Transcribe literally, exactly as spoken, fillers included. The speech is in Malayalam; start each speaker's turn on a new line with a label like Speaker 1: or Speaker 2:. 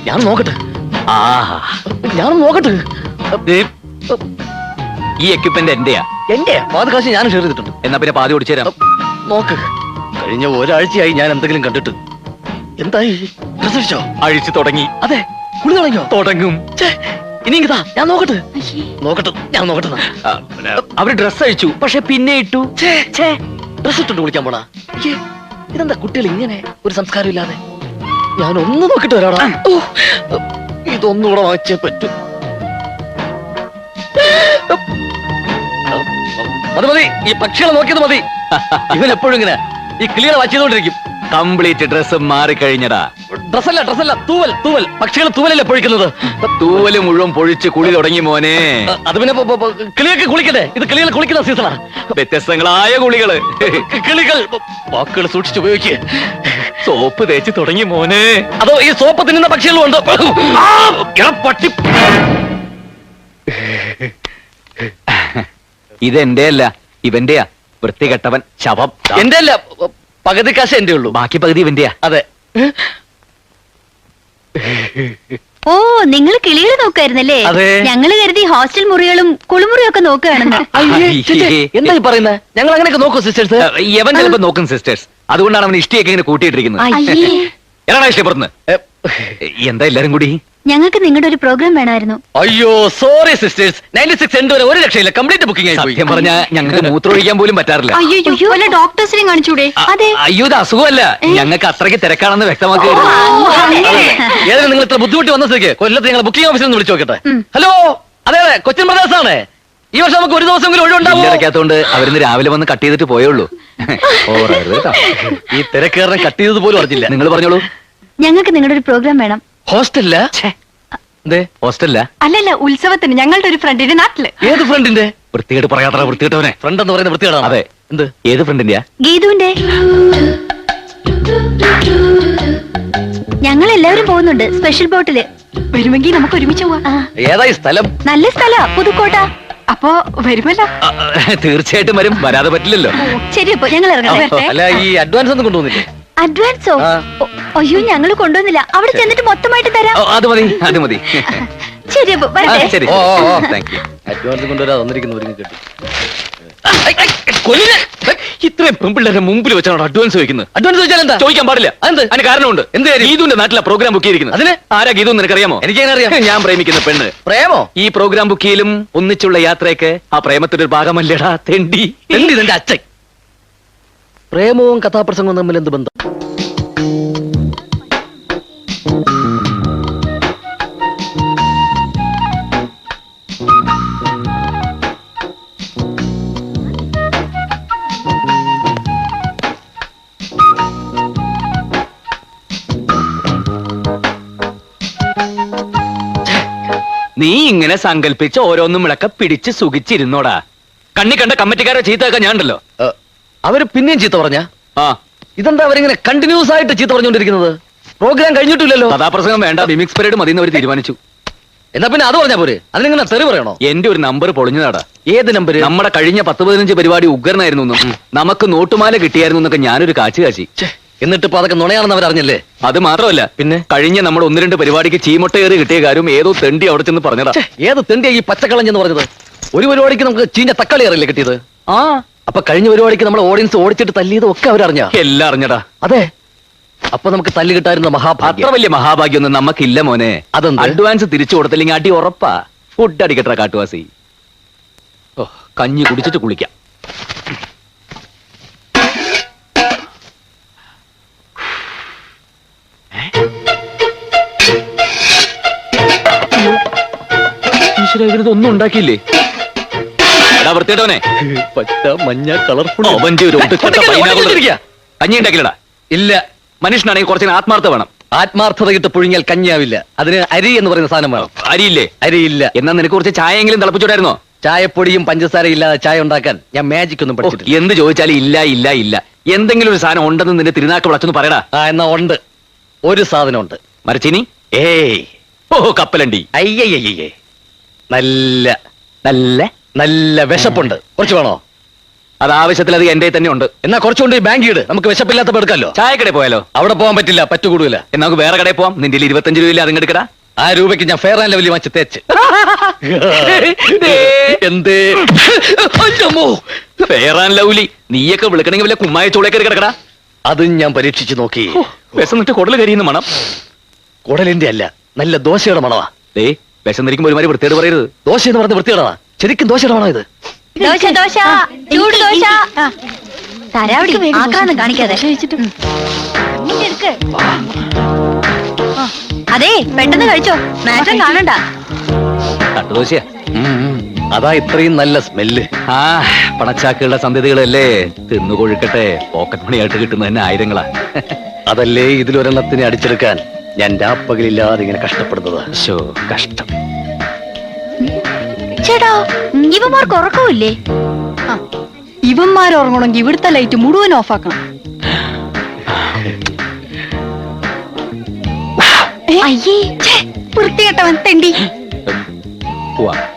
Speaker 1: ഞാൻ നോക്കട്ടെ.
Speaker 2: ആ
Speaker 1: ഞാൻ നോക്കട്ടെ.
Speaker 2: ഈ എക്യുപ്മെന്റ് എന്റെയാ.
Speaker 1: എന്റെ പാതി കാശ് ഞാൻ ഷെയർ ചെയ്തിട്ടുണ്ട്.
Speaker 2: എന്നാ പിന്നെ പാതി ഓടിച്ചു തരാം.
Speaker 1: നോക്ക്, കഴിഞ്ഞ ഒരാഴ്ചയായി ഞാൻ എന്തെങ്കിലും കണ്ടിട്ട്. എന്തായി? ഡ്രസ് അഴിച്ചോ?
Speaker 2: അഴിച്ചു തുടങ്ങി.
Speaker 1: അതെ, കുളി തുടങ്ങിയോ?
Speaker 2: തുടങ്ങും.
Speaker 1: ഇനി ഇതാ ഞാൻ നോക്കട്ടെ. നോക്കട്ടെ, ഞാൻ നോക്കട്ടെ.
Speaker 2: അവര് ഡ്രസ് അഴിച്ചു, പക്ഷെ പിന്നെ ഇട്ടു.
Speaker 1: ഡ്രസ് ഇട്ടിട്ട് കുളിക്കാൻ പോണാ? ഇതെന്താ കുട്ടികൾ ഇങ്ങനെ ഒരു സംസ്കാരം ഇല്ലാതെ? ഞാൻ ഒന്ന് നോക്കിട്ട് വരാടാ. ഇതൊന്നുകൂടെ വാങ്ങിച്ചേ പറ്റൂ. മതി മതി, ഈ പക്ഷികളെ നോക്കിയത് മതി. ഇവൻ എപ്പോഴും ഇങ്ങനെ ഈ ക്ലിയർ വാച്ച് ചെയ്തോണ്ടിരിക്കും.
Speaker 2: കംപ്ലീറ്റ് ഡ്രസ് മാറിക്കഴിഞ്ഞടാ.
Speaker 1: ഡ്രസ്സല്ല ഡ്രസ്സല്ല തൂവൽ തൂവൽ. പക്ഷികൾ തൂവലല്ലേ പൊഴിക്കുന്നത്?
Speaker 2: തൂവല് മുഴുവൻ പൊഴിച്ച് കുളി തുടങ്ങി മോനെ.
Speaker 1: അത് പിന്നെ കിളിയൊക്കെ കുളിക്കട്ടെ. ഇത് കിളികൾ കുളിക്കുന്ന സീസണാ.
Speaker 2: വ്യത്യസ്തങ്ങളായ കുളികള്.
Speaker 1: കിളികൾ വാക്കുകൾ സൂക്ഷിച്ചുപയോഗിക്കുക.
Speaker 2: സോപ്പ് തേച്ച് തുടങ്ങി മോനെ.
Speaker 1: അതോ ഈ സോപ്പ് തിന്നുന്ന പക്ഷികളും ഉണ്ട്. പട്ടി.
Speaker 2: ഇതെന്റെ അല്ല, ഇവന്റെയാ. വൃത്തികെട്ടവൻ ശവം.
Speaker 1: എന്റെ അല്ല, പകുതി കാശ് എന്റെ ഉള്ളൂ,
Speaker 2: ബാക്കി പകുതി ഇവന്റെയാ.
Speaker 1: അതെ.
Speaker 3: ഓ, നിങ്ങൾ കിളികൾ നോക്കായിരുന്നല്ലേ? ഞങ്ങള് കരുതി ഹോസ്റ്റൽ മുറികളും കുളിമുറിയും ഒക്കെ നോക്കുകയാണെന്ന്.
Speaker 1: എന്താ പറയുന്നത്? ഞങ്ങൾ അങ്ങനെയൊക്കെ നോക്കൂ സിസ്റ്റേഴ്സ്.
Speaker 2: യവൻ ചിലപ്പോ നോക്കും സിസ്റ്റേഴ്സ്. അതുകൊണ്ടാണ് അവൻ ഇഷ്ടിയൊക്കെ ഇങ്ങനെ കൂട്ടിയിട്ടിരിക്കുന്നത്. എടാ ഇഷ്ടപ്പെടുന്നു. എന്താ എല്ലാരും കൂടി?
Speaker 3: ഞങ്ങൾക്ക് നിങ്ങളുടെ ഒരു പ്രോഗ്രാം വേണമായിരുന്നു.
Speaker 1: അയ്യോ sorry sisters, ninety six end വരെ ഒരു രക്ഷയില്ല. കംപ്ലീറ്റ് ബുക്കിംഗ് ആയി പോയി.
Speaker 2: സത്യം പറഞ്ഞാൽ ഞങ്ങൾക്ക് മൂത്രമൊഴിക്കാൻ പോലും പറ്റാറില്ല.
Speaker 3: അയ്യോ, വല്ല ഡോക്ടേഴ്സിനെയും കാണിച്ചൂടെ? അതെ.
Speaker 2: അയ്യോ, ഇത് അസുഖമല്ല, ഞങ്ങൾക്ക് അത്രയ്ക്ക് തിരക്കാണെന്ന് വ്യക്തമാക്കി.
Speaker 1: ഏതായാലും നിങ്ങൾ ഇത്ര ബുദ്ധിമുട്ടി വന്ന സ്ഥിതിക്ക് കൊല്ലത്ത് ഞങ്ങൾ ബുക്കിംഗ് ഓഫീസിൽ നിന്ന് വിളിച്ചു നോക്കട്ടെ. ഹലോ, അതെ അതെ, കൊച്ചിൻ ബ്രദേഴ്സ് ആണ്. ഈ വർഷം നമുക്ക് ഒരു ദിവസം ഒഴിവുണ്ടാവും.
Speaker 2: ഇടയ്ക്കകത്തോണ്ട് അവരിന്ന് രാവിലെ വന്ന് കട്ട് ചെയ്തിട്ട് പോയുള്ളൂ.
Speaker 1: ഈ തിരക്കേറിനെ കട്ട് ചെയ്തത് പോലും അറിഞ്ഞില്ല.
Speaker 2: നിങ്ങൾ പറഞ്ഞോളൂ.
Speaker 3: ഞങ്ങൾക്ക് നിങ്ങളുടെ ഒരു പ്രോഗ്രാം വേണം.
Speaker 1: ഹോസ്റ്റലില്ല?
Speaker 2: ഹോസ്റ്റലില്ല,
Speaker 3: അല്ലല്ല, ഉത്സവത്തിന് ഞങ്ങളുടെ ഒരു ഫ്രണ്ടിന്റെ നാട്ടില്.
Speaker 1: ഏത് ഫ്രണ്ടിന്റെ?
Speaker 2: വൃത്തികേട്ട് പറയാത്ത വൃത്തികേട്ടവനെ.
Speaker 1: ഫ്രണ്ട് എന്ന് പറയുന്ന വൃത്തികേടാണ്.
Speaker 2: അതെ.
Speaker 1: എന്ത്?
Speaker 2: ഏത് ഫ്രണ്ടിന്റെയാ?
Speaker 3: ഗീതുവിന്റെ. ഞങ്ങൾ എല്ലാവരും പോകുന്നുണ്ട് സ്പെഷ്യൽ ബോട്ടില്. വരുമെങ്കിൽ നമുക്ക് ഒരുമിച്ച് പോവാം.
Speaker 1: ഏതായി സ്ഥലം?
Speaker 3: നല്ല സ്ഥല, പുതുക്കോട്ട. അപ്പോ വരുമല്ലോ?
Speaker 2: തീർച്ചയായിട്ടും വരും, വരാതെ പറ്റില്ലല്ലോ.
Speaker 3: ശരി, അപ്പൊ ഞങ്ങൾ ഇറങ്ങാം.
Speaker 1: അല്ല, ഈ അഡ്വാൻസ് ഒന്നും കൊണ്ടുവന്നില്ലേ?
Speaker 3: അഡ്വാൻസോ? അയ്യോ, ഞങ്ങള് കൊണ്ടുവന്നില്ല. അവിടെ ചെന്നിട്ട് മൊത്തമായിട്ട് തരാം.
Speaker 2: അത് മതി, അത് മതി.
Speaker 3: ശരി, അപ്പൊ വരട്ടെ.
Speaker 2: ശരി.
Speaker 1: അഡ്വാൻസ് കൊണ്ടുവരാ തന്നിരിക്കുന്ന ഒരുങ്ങി കിട്ടി.
Speaker 2: ഇത്രയും പെൺപിള്ളേരെ മുമ്പിൽ വെച്ചാണ് അഡ്വാൻസ് ചോദിക്കുന്നത്.
Speaker 1: അഡ്വാൻസ് ചോദിച്ചാൽ എന്താ?
Speaker 2: ചോദിക്കാൻ പാടില്ല. അതിന് കാരണമുണ്ട്.
Speaker 1: എന്ത്?
Speaker 2: ഗീതുവിന്റെ നാട്ടിലെ പ്രോഗ്രാം ബുക്ക് ചെയ്തിരിക്കുന്നത്.
Speaker 1: അതിന്
Speaker 2: ആരാ ഗീതു നിനക്കറിയാമോ?
Speaker 1: എനിക്കറിയാം.
Speaker 2: ഞാൻ പ്രേമിക്കുന്ന പെണ്ണ്.
Speaker 1: പ്രേമോ?
Speaker 2: ഈ പ്രോഗ്രാം ബുക്ക് ചെയ്യലും ഒന്നിച്ചുള്ള യാത്രയൊക്കെ ആ പ്രേമത്തിന്റെ ഒരു ഭാഗമല്ലേടാ തെണ്ടി.
Speaker 1: തെണ്ടി നിന്റെ അച്ഛൻ. പ്രേമവും കഥാപ്രസംഗവും തമ്മിൽ എന്ത് ബന്ധം?
Speaker 2: നീ ഇങ്ങനെ സങ്കല്പിച്ച് ഓരോന്നും വിളക്ക പിടിച്ച് സുഖിച്ചിരുന്നോടാ. കണ്ണി കണ്ട കമ്മിറ്റിക്കാരെ ചീത്തയൊക്കെ ഞാനുണ്ടല്ലോ.
Speaker 1: അവര് പിന്നെയും ചീത്ത പറഞ്ഞ?
Speaker 2: ആ,
Speaker 1: ഇതെന്താ അവരിങ്ങനെ കണ്ടിന്യൂസ് ആയിട്ട് ചീത്ത പറഞ്ഞുകൊണ്ടിരിക്കുന്നത്? പ്രോഗ്രാം കഴിഞ്ഞിട്ടില്ലല്ലോ.
Speaker 2: കഥാപ്രസംഗം വേണ്ട, മിമിക്സ് പരേഡ് മതി എന്ന് അവർ തീരുമാനിച്ചു.
Speaker 1: എന്നാ പിന്നെ അത് പറഞ്ഞാ പോരെ? അതിനിങ്ങനെ തെറി പറയണോ?
Speaker 2: എന്റെ ഒരു നമ്പർ പൊളിഞ്ഞതാടാ.
Speaker 1: ഏത് നമ്പർ?
Speaker 2: നമ്മുടെ കഴിഞ്ഞ പത്ത് പതിനഞ്ച് പരിപാടി ഉഗ്രനായിരുന്നു എന്നും നമുക്ക് നോട്ടുമാല കിട്ടിയായിരുന്നു എന്നൊക്കെ ഞാനൊരു കാച്ചു കാച്ചി.
Speaker 1: എന്നിട്ട് ഇപ്പൊ അതൊക്കെ നുണയാണെന്ന് അവരറിഞ്ഞല്ലേ?
Speaker 2: അത് മാത്രമല്ല,
Speaker 1: പിന്നെ
Speaker 2: കഴിഞ്ഞ നമ്മൾ ഒന്ന് രണ്ട് പരിപാടിക്ക് ചീമൊട്ടയേറി കിട്ടിയ കാര്യം ഏതോ തെണ്ടി അവിടെ ചെന്ന് പറഞ്ഞതാ.
Speaker 1: ഏത് തെണ്ടിയാ ഈ പച്ചക്കളഞ്ഞെന്ന് പറഞ്ഞത്? ഒരു പരിപാടിക്ക് നമുക്ക് ചീഞ്ഞ തക്കാളി അറിയില്ലേ കിട്ടിയത്?
Speaker 2: ആ,
Speaker 1: അപ്പൊ കഴിഞ്ഞ പരിപാടിക്ക് നമ്മൾ ഓഡിയൻസ് ഓടിച്ചിട്ട് തല്ലിയതും ഒക്കെ അവരറിഞ്ഞ?
Speaker 2: എല്ലാം അറിഞ്ഞടാ.
Speaker 1: അതെ. അപ്പൊ നമുക്ക് തല്ലി കിട്ടായിരുന്ന മഹാഭാഗ്യം.
Speaker 2: അത്ര വലിയ മഹാഭാഗ്യൊന്നും നമുക്കില്ല മോനെ.
Speaker 1: അതെന്താ?
Speaker 2: അഡ്വാൻസ് തിരിച്ചു കൊടുത്തില്ലെങ്കിൽ അടി ഉറപ്പാ. ഫുഡ് അടിക്കട്ട കാട്ടുവാസി. ഓ, കഞ്ഞി കുടിച്ചിട്ട് കുളിക്കാം. ഒന്നും ഉണ്ടാക്കിയില്ലേ? വൃത്തിയിട്ടവനെ.
Speaker 1: പച്ച മഞ്ഞ കളർഫുൾ
Speaker 2: അവന്റെ ഒരു കഞ്ഞി ഉണ്ടാക്കില്ലടാ.
Speaker 1: ഇല്ല.
Speaker 2: മനുഷ്യനാണെങ്കിൽ കുറച്ചിന് ആത്മാർത്ഥ വേണം.
Speaker 1: ആത്മാർത്ഥതയിട്ട് പുഴുങ്ങിയാൽ കഞ്ഞിയാവില്ല. അതിന് അരി എന്ന് പറയുന്ന സാധനം വേണം.
Speaker 2: അരിയില്ലേ?
Speaker 1: അരിയില്ല.
Speaker 2: എന്നാ നിനക്ക് കുറച്ച് ചായയെങ്കിലും തിളപ്പിച്ചോടായിരുന്നോ?
Speaker 1: ചായപ്പൊടിയും പഞ്ചസാര ഇല്ലാതെ ചായ ഉണ്ടാക്കാൻ ഞാൻ മാജിക് ഒന്നും പഠിച്ചിട്ടില്ല.
Speaker 2: എന്ത് ചോദിച്ചാലും ഇല്ല ഇല്ല ഇല്ല. എന്തെങ്കിലും ഒരു സാധനം ഉണ്ടെന്ന് നിന്റെ തിരുനാക്ക് വിളച്ചൊന്ന് പറയടാ.
Speaker 1: ആ, എന്നാ ഉണ്ട്. ഒരു സാധനം ഉണ്ട്.
Speaker 2: മരച്ചിനി?
Speaker 1: ഏയ്.
Speaker 2: ഓ, കപ്പലണ്ടി.
Speaker 1: അയ്യയ്യേ. നല്ല
Speaker 2: നല്ല
Speaker 1: നല്ല വിശപ്പുണ്ട്. കുറച്ച് വേണോ?
Speaker 2: അത് ആവശ്യത്തിൽ അത് എന്റെ തന്നെ ഉണ്ട്.
Speaker 1: എന്നാ കുറച്ചുകൊണ്ട് ബാങ്ക് ഇട്, നമുക്ക് വിശപ്പില്ലാത്തപ്പോ എടുക്കാമല്ലോ.
Speaker 2: ചായക്കടയിൽ പോയാലോ?
Speaker 1: അവിടെ പോകാൻ പറ്റില്ല, പറ്റുകൂടൂല.
Speaker 2: എന്നാ നമുക്ക് വേറെ കടയിൽ പോവാം. നിന്റെ ഇരുപത്തഞ്ച് രൂപയില്ല അതിങ്ങ് എടുക്കടാ.
Speaker 1: ആ രൂപയ്ക്ക് ഞാൻ ഫെയർ ആൻഡ് ലവ്ലി വാങ്ങിച്ച് തേച്ച്. എന്തേ
Speaker 2: ഫെയർ ആൻഡ് ലവ്ലി നീയൊക്കെ വിളിക്കണമെങ്കിൽ വല്ല കുമ്മായ ചോളേക്കറി കിടക്കടാ.
Speaker 1: അതും ഞാൻ പരീക്ഷിച്ചു നോക്കി.
Speaker 2: വിശന്നിട്ട് കുടല് കരിയുന്ന മണം.
Speaker 1: കുടലിന്റെ അല്ല, നല്ല ദോശയുടെ മണവാ.
Speaker 2: ദേ വിശന്നിരിക്കുമ്പോ ഒരുമാതിരി വൃത്തിയോട് പറയരുത്.
Speaker 1: ദോശ എന്ന് പറഞ്ഞ വൃത്തിയോടാ, ശരിക്കും ദോശയുടെ മണോ ഇത്?
Speaker 3: ദോശ ദോശ ചൂട് ദോശ. തരാവടി ആക്രാന്തം കാണിക്കാതെ. ഉം. ഇങ്ങോട്ട് എടുക്ക്. അതെ പെട്ടെന്ന് കഴിച്ചോ, മാറ്റം കാണണ്ട.
Speaker 2: തട്ടുദോശയാ.
Speaker 1: ഉം, ഉം. അതാ ഇത്രയും നല്ല സ്മെല്ല്.
Speaker 2: ആ പണച്ചാക്കുകളുടെ സന്ധ്യതകളല്ലേ, തിന്നു കൊഴുക്കട്ടെ. പോക്കറ്റ് മണിയായിട്ട് കിട്ടുന്ന തന്നെ ആയിരങ്ങളാ.
Speaker 1: അതല്ലേ ഇതിലൊരെണ്ണത്തിനെ അടിച്ചെടുക്കാൻ ഞാൻ രാപ്പകലില്ലാതെ ഇങ്ങനെ കഷ്ടപ്പെടുന്നത്.
Speaker 2: ശോ കഷ്ടം.
Speaker 3: ചേട്ടാ ഇവന്മാർക്ക് ഉറക്കമില്ലേ?
Speaker 4: ഇവന്മാർ ഉറങ്ങണമെങ്കിൽ ഇവിടുത്തെ ലൈറ്റ് മുഴുവൻ ഓഫാക്കണം.
Speaker 3: അയ്യേ
Speaker 4: വൃത്തികെട്ടവൻ തെണ്ടി.
Speaker 2: പോവാ.